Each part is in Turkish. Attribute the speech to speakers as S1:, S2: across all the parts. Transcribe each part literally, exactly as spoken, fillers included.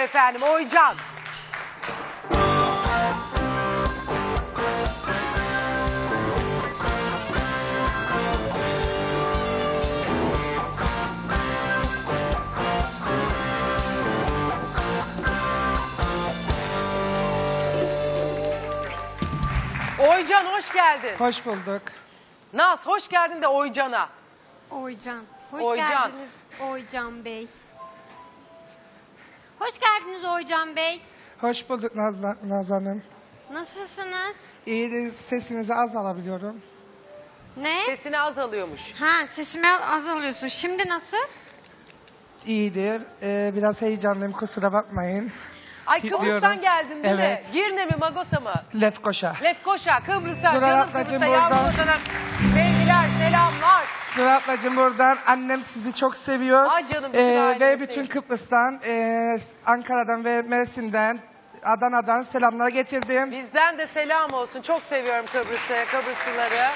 S1: efendim, Oycan. Oycan hoş geldin.
S2: Hoş bulduk.
S1: Naz hoş geldin de Oycan'a.
S3: Oycan. Hoş
S1: Oycan.
S3: geldiniz Oycan Bey. Hoş geldiniz Oycan Bey.
S2: Hoş bulduk Nazlı, Nazlı Hanım.
S3: Nasılsınız?
S2: İyi, sesinizi az alabiliyorum.
S3: Ne?
S1: Sesini az alıyormuş.
S3: Ha, sesimi az alıyorsun. Şimdi nasıl?
S2: İyidir. Ee, biraz heyecanlıyım, kusura bakmayın.
S1: Ay
S2: Gidiyoruz.
S1: Kıbrıs'tan geldin değil
S2: Evet.
S1: mi? Girne mi Magos'a mı?
S2: Lefkoşa.
S1: Lefkoşa, Kıbrıs'a,
S2: Dur
S1: canım
S2: ablacığım,
S1: Kıbrıs'a, yavrum
S2: buradan.
S1: vatanım. Sevgiler, selamlar.
S2: Sıra ablacığım buradan. Annem sizi çok seviyor.
S1: Ay canım, bütün
S2: Ee,
S1: ailemi
S2: ve bütün
S1: seviyor.
S2: Kıbrıs'tan, e, Ankara'dan ve Mersin'den, Adana'dan selamlar getirdim.
S1: Bizden de selam olsun. Çok seviyorum Kıbrıs'ı, Kıbrıslıları.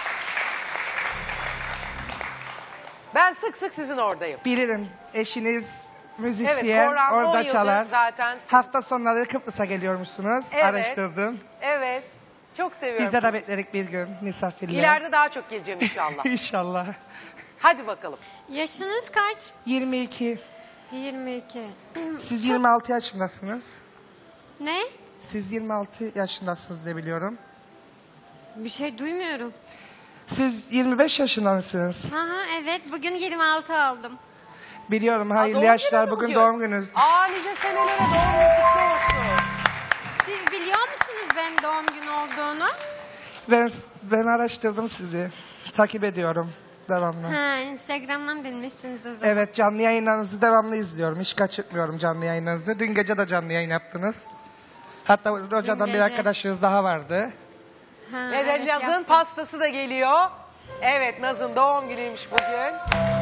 S1: Ben sık sık sizin oradayım.
S2: Bilirim, eşiniz müzisyen,
S1: Evet, Korhan on
S2: orada
S1: yıldır
S2: çalar.
S1: zaten.
S2: Hafta sonları Kıbrıs'a geliyormuşsunuz.
S1: Evet.
S2: Araştırdım.
S1: Evet, çok seviyorum.
S2: Biz de de beklerik bir gün misafirliğe.
S1: İleride daha çok geleceğim inşallah.
S2: İnşallah.
S1: Hadi bakalım.
S3: Yaşınız kaç?
S2: yirmi iki.
S3: yirmi iki.
S2: Siz yirmi altı yaşındasınız.
S3: Ne?
S2: Siz yirmi altı yaşındasınız diye biliyorum.
S3: Bir şey duymuyorum.
S2: Siz yirmi beş yaşında mısınız?
S3: Ha ha, evet, bugün yirmi altı aldım.
S2: Biliyorum,
S1: Aa,
S2: hayırlı
S1: doğum
S2: yaşlar.
S1: günü mü
S2: Bugün,
S1: bugün?
S2: doğum gününüz.
S1: Aa, nice senelere doğum günü kutlu olsun.
S3: Siz biliyor musunuz benim doğum günü olduğunu?
S2: Ben, ben araştırdım sizi. Takip ediyorum devamlı.
S3: Ha, Instagram'dan bilmişsiniz o zaman.
S2: Evet, canlı yayınlarınızı devamlı izliyorum. Hiç kaçırmıyorum canlı yayınlarınızı. Dün gece de canlı yayın yaptınız. Hatta hocadan bir
S3: gece.
S2: arkadaşınız daha vardı.
S3: Ha,
S1: Evet,
S3: evet,
S1: Naz'ın
S3: yaptım.
S1: pastası da geliyor. Evet, Naz'ın doğum günüymüş bugün.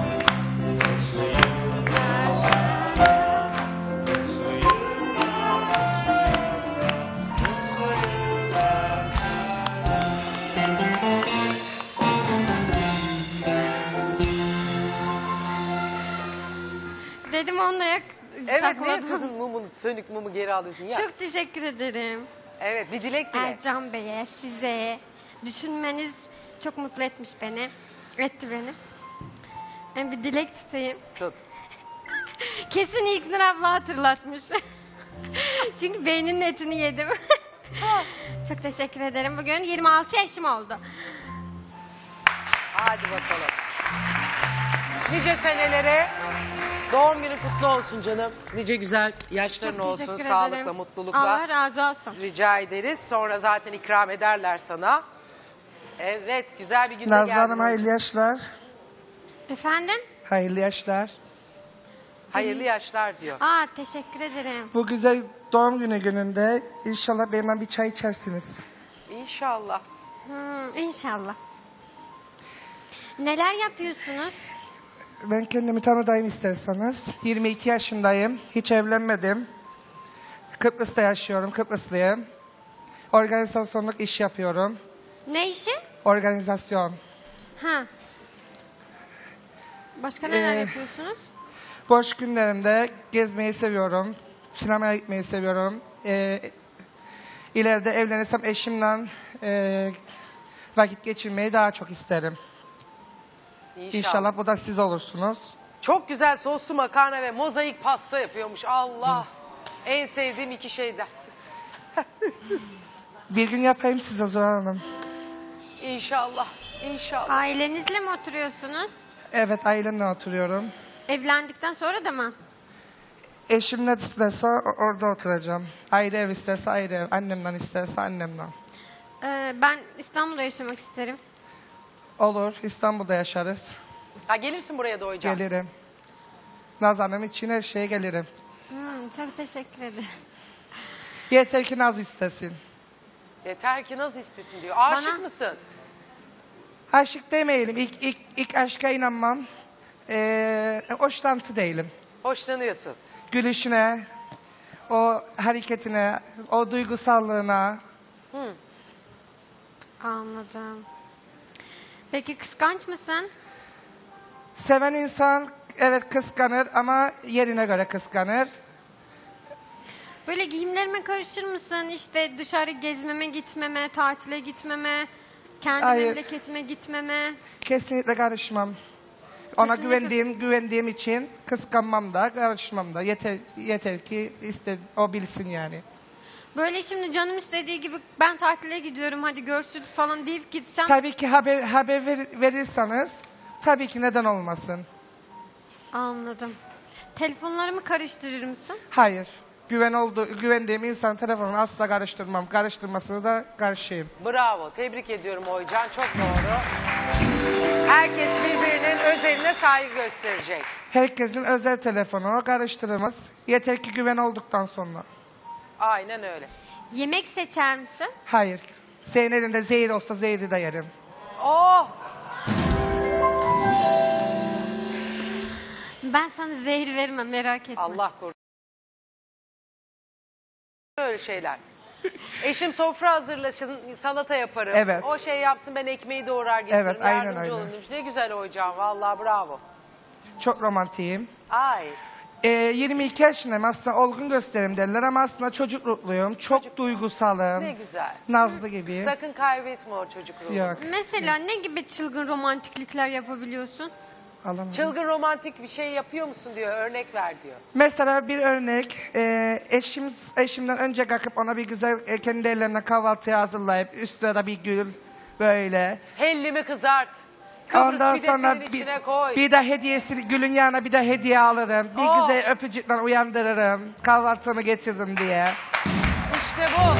S3: Dedim onunla yak
S1: Evet, niye
S3: sakladım.
S1: kızın mumunu, sönük mumu geri alıyorsun ya?
S3: Çok teşekkür ederim.
S1: Evet, bir dilek dile.
S3: Ercan Bey'e, size düşünmeniz çok mutlu etmiş beni. Etti beni. Ben bir dilek tutayım.
S1: Tut.
S3: Kesin İlknur abla hatırlatmış. Çünkü beyninin etini yedim. Çok teşekkür ederim. Bugün yirmi altı yaşım oldu.
S1: Hadi bakalım. Nice senelere doğum günü kutlu olsun canım. Nice güzel yaşların
S3: Çok
S1: olsun.
S3: teşekkür
S1: Sağlıkla,
S3: ederim.
S1: mutlulukla.
S3: Allah razı olsun.
S1: Rica ederiz. Sonra zaten ikram ederler sana. Evet, güzel bir günde
S2: Nazlı
S1: geldin.
S2: Hanım, hayırlı yaşlar.
S3: Efendim?
S2: Hayırlı yaşlar.
S1: Hayırlı yaşlar diyor.
S3: Aa, teşekkür ederim.
S2: Bu güzel doğum günü gününde inşallah benimle bir çay içersiniz.
S1: İnşallah.
S3: Hmm, inşallah. Neler yapıyorsunuz?
S2: Ben kendimi tanıdayım isterseniz. yirmi iki yaşındayım. Hiç evlenmedim. Kıbrıs'ta yaşıyorum. Kıbrıslıyım. Organizasyonluk iş yapıyorum.
S3: Ne işi?
S2: Organizasyon.
S3: Ha. Başka neler
S2: Ee,
S3: yapıyorsunuz?
S2: Boş günlerimde gezmeyi seviyorum. Sinemaya gitmeyi seviyorum. Ee, ileride evlenirsem eşimle e, vakit geçirmeyi daha çok isterim.
S1: İnşallah.
S2: İnşallah bu da siz olursunuz.
S1: Çok güzel soslu makarna ve mozaik pasta yapıyormuş. Allah. En sevdiğim iki şeyden.
S2: Bir gün yapayım size Zuhal Hanım.
S1: İnşallah. İnşallah.
S3: Ailenizle mi oturuyorsunuz?
S2: Evet, ailemle oturuyorum.
S3: Evlendikten sonra da mı?
S2: Eşim ne isterse o- orada oturacağım. Ayrı ev isterse ayrı ev. Annemden isterse annemden.
S3: Ee, ben İstanbul'da yaşamak isterim.
S2: Olur, İstanbul'da yaşarız.
S1: Ha, gelirsin buraya da hocam.
S2: Gelirim. Naz Hanım için her şeye gelirim.
S3: Hmm, çok teşekkür ederim.
S2: Yeter ki Naz istesin.
S1: Yeter ki nasıl istesin diyor. Aşık
S3: Bana-
S1: mısın?
S2: Aşık demeyelim. İlk, ilk, ilk aşka inanmam. Ee, hoşlantı değilim.
S1: Hoşlanıyorsun.
S2: Gülüşüne, o hareketine, o duygusallığına.
S1: Hı.
S3: Anladım. Peki kıskanç mısın?
S2: Seven insan evet kıskanır ama yerine göre kıskanır.
S3: Böyle giyimlerime karışır mısın? İşte dışarı gezmeme, gitmeme, tatile gitmeme, kendi
S2: Hayır.
S3: memleketime gitmeme.
S2: Kesinlikle karışmam. Ona
S3: Kesinlikle.
S2: güvendiğim güvendiğim için kıskanmam da karışmam da. Yeter yeter ki iste, o bilsin yani.
S3: Böyle şimdi canım istediği gibi ben tatile gidiyorum hadi görüşürüz falan deyip gitsem.
S2: Tabii ki haber haber ver- verirseniz tabii ki neden olmasın.
S3: Anladım. Telefonlarımı karıştırır mısın?
S2: Hayır. Güven oldu, güvendiğim insan telefonunu asla karıştırmam. Karıştırmasını da karşıyım.
S1: Bravo. Tebrik ediyorum Oycan. Çok doğru. Herkes birbirinin özeline saygı gösterecek.
S2: Herkesin özel telefonu karıştırılmaz. Yeter ki güven olduktan sonra.
S1: Aynen öyle.
S3: Yemek seçer misin?
S2: Hayır. Senin elinde zehir olsa zehri de yerim.
S1: Oh!
S3: Ben sana zehir vermem merak etme.
S1: Allah korusun. Böyle şeyler. Eşim sofra hazırlasın, salata yaparım.
S2: Evet.
S1: O şey yapsın, ben ekmeği doğrar getiririm.
S2: Evet, aynen
S1: Yardımcı
S2: öyle.
S1: olun. Ne güzel Oycan. Vallahi bravo.
S2: Çok romantiyim.
S1: Ay.
S2: Ee, yirmi iki yaşındayım. Aslında olgun gösterim derler ama aslında çocuk ruhluyum. Çok
S1: Çocuk-
S2: duygusalım.
S1: Ne güzel.
S2: Nazlı gibi.
S1: Sakın kaybetme o çocuk ruhunu.
S2: Yok.
S3: Mesela ne gibi çılgın romantiklikler yapabiliyorsun?
S2: Alamadım.
S1: Çılgın romantik bir şey yapıyor musun diyor. Örnek ver diyor.
S2: Mesela bir örnek, e, eşim eşimden önce kalkıp ona bir güzel e, kendi ellerimle kahvaltı hazırlayıp üstüne de bir gül böyle.
S1: Hellimi kızart. Kıbrıs
S2: Ondan
S1: pidesinin
S2: sonra bir,
S1: içine koy.
S2: bir de hediyesi gülün yanına bir de hediye alırım. Bir
S1: Oh.
S2: güzel öpücükle uyandırırım. Kahvaltını getirdim diye.
S1: İşte bu.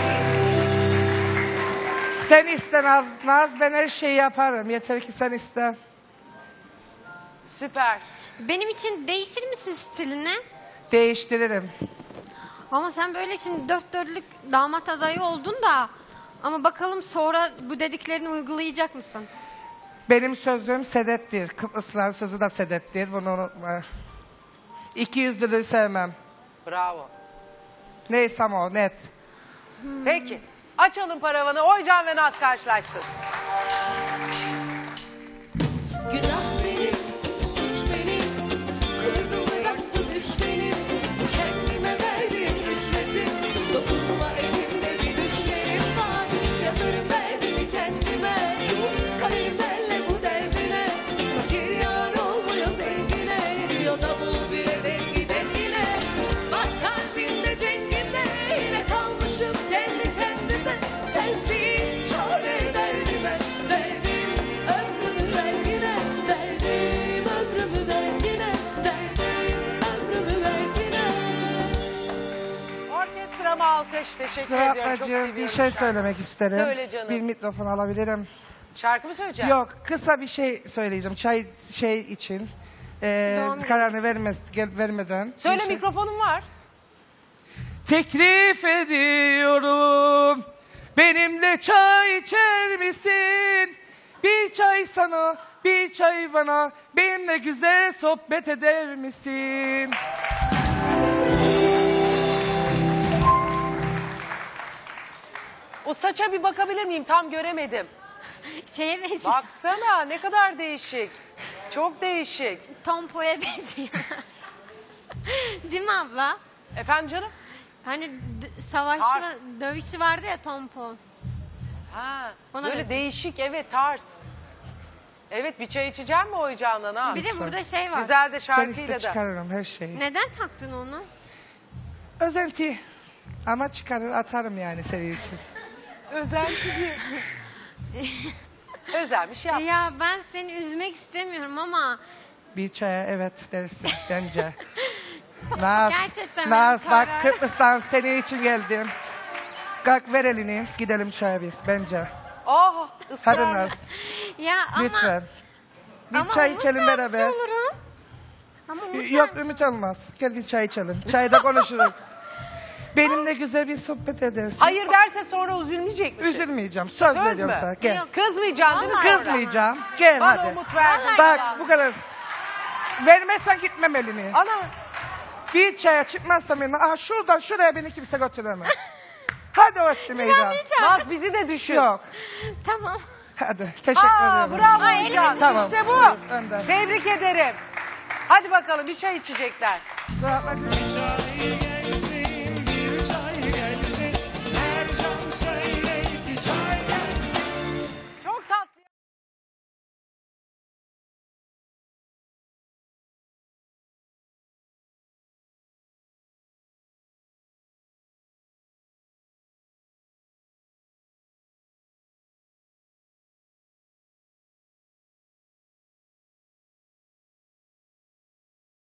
S2: Sen iste Naz, Naz ben her şeyi yaparım. Yeter ki sen iste.
S1: Süper.
S3: Benim için değişir misin stilini?
S2: Değiştiririm.
S3: Ama sen böyle şimdi dört dörtlük damat adayı oldun da ama bakalım sonra bu dediklerini uygulayacak mısın?
S2: Benim sözüm sedettir. Kıbrıslıların sözü de sedettir. Bunu unutma. İki yüzlülüğü sevmem.
S1: Bravo.
S2: Neysem o net.
S1: Peki. Açalım paravanı. Oycan ve Naz karşılaşsın.
S4: Günah benim, suç benim, kırdım bıraktı düş benim, kendime verdim rüşveti, dokunma elimde bir düşlerim var, yazarım derdimi kendime, kalemlerle bu derdine, fakir yar olmuyor zengine, diyor davul bile dengi dengine, bak kalbimde cenginde, yine kalmışım kendi kendime, sensin çare derdime, derdim ömrümü ver yine, derdim ömrümü ver yine, derdim ömrümü ver yine.
S1: Orkestrama alkış. Teşekkür ediyorum. Çok
S2: Ablacığım
S1: seviyorum
S2: bir şey
S1: şarkıyı.
S2: söylemek isterim.
S1: Söyle canım.
S2: Bir mikrofon alabilirim.
S1: Şarkı mı söyleyeceksin?
S2: Yok kısa bir şey söyleyeceğim. Çay şey için. Ee,
S3: Doğum günü
S2: kararını vermez, gel, vermeden.
S1: Söyle,
S2: Bir şey-
S1: mikrofonum var.
S2: Teklif ediyorum. Benimle çay içer misin? Bir çay sana, bir çay bana. Benimle güzel sohbet eder misin?
S1: O saça bir bakabilir miyim? Tam göremedim.
S3: Şeye benziyor.
S1: Baksana ne kadar değişik. Çok değişik.
S3: Tompo'ya benziyor. Değil mi abla?
S1: Efendim canım?
S3: Hani d- savaşçı,
S1: Tarz.
S3: dövüşçü vardı ya Tompo.
S1: Ha,
S3: Ona
S1: böyle
S3: benziyor.
S1: değişik, evet, tarz. Evet, bir çay içeceğim mi Oycan'dan ha?
S3: Bir de burada şey var.
S1: Güzel de
S2: Ben
S1: şarkıyla
S2: işte
S1: da.
S2: çıkarırım her şeyi.
S3: Neden taktın onu?
S2: Özenti. Ama çıkarır atarım yani senin için.
S1: Özenti diye. Özelmiş yap.
S3: Ya ben seni üzmek istemiyorum ama
S2: Bir çaya evet dersin bence. Naz,
S3: Gerçekten
S2: Naz
S3: benim
S2: bak
S3: karar-
S2: Kıbrıs'tan senin için geldim. Kalk ver elini gidelim çaya biz bence.
S1: Oh,
S2: Hadi
S1: ısrarlı.
S2: Naz
S3: ya ama
S2: lütfen. Bir
S3: ama
S2: çay
S3: umut
S2: içelim
S3: vermiş
S2: beraber.
S3: olurum. Ama umut
S2: Yok
S3: ver-
S2: Ümit olmaz. Gel bir çay içelim. Çayda konuşuruz. Benimle güzel bir sohbet edersin.
S1: Hayır derse sonra üzülmeyecek misin?
S2: Üzülmeyeceğim. Söz,
S1: Söz
S2: veriyorum
S1: mü?
S2: sana. Gel.
S3: Yok.
S1: Kızmayacaksın değil mi
S3: Vallahi
S1: sonra?
S2: Kızmayacağım. Gel
S1: Bana
S2: hadi.
S1: umut verdin.
S3: Vallahi
S2: Bak
S1: ya.
S2: bu kadar. Vermezsen gitmem elini.
S1: Ana,
S2: Bir çaya çıkmazsam yanına. Aha şuradan şuraya beni kimse götüremez. Hadi öttü meydan.
S1: bak bizi de düşün.
S2: Yok.
S3: Tamam.
S2: Hadi. Teşekkür
S1: Aa,
S2: ederim.
S1: bravo
S3: Ay,
S1: Oycan.
S3: elini-
S2: Tamam.
S1: İşte bu.
S2: Buyur, önden.
S1: Tebrik ederim. Hadi bakalım bir çay içecekler.
S2: Rahatla.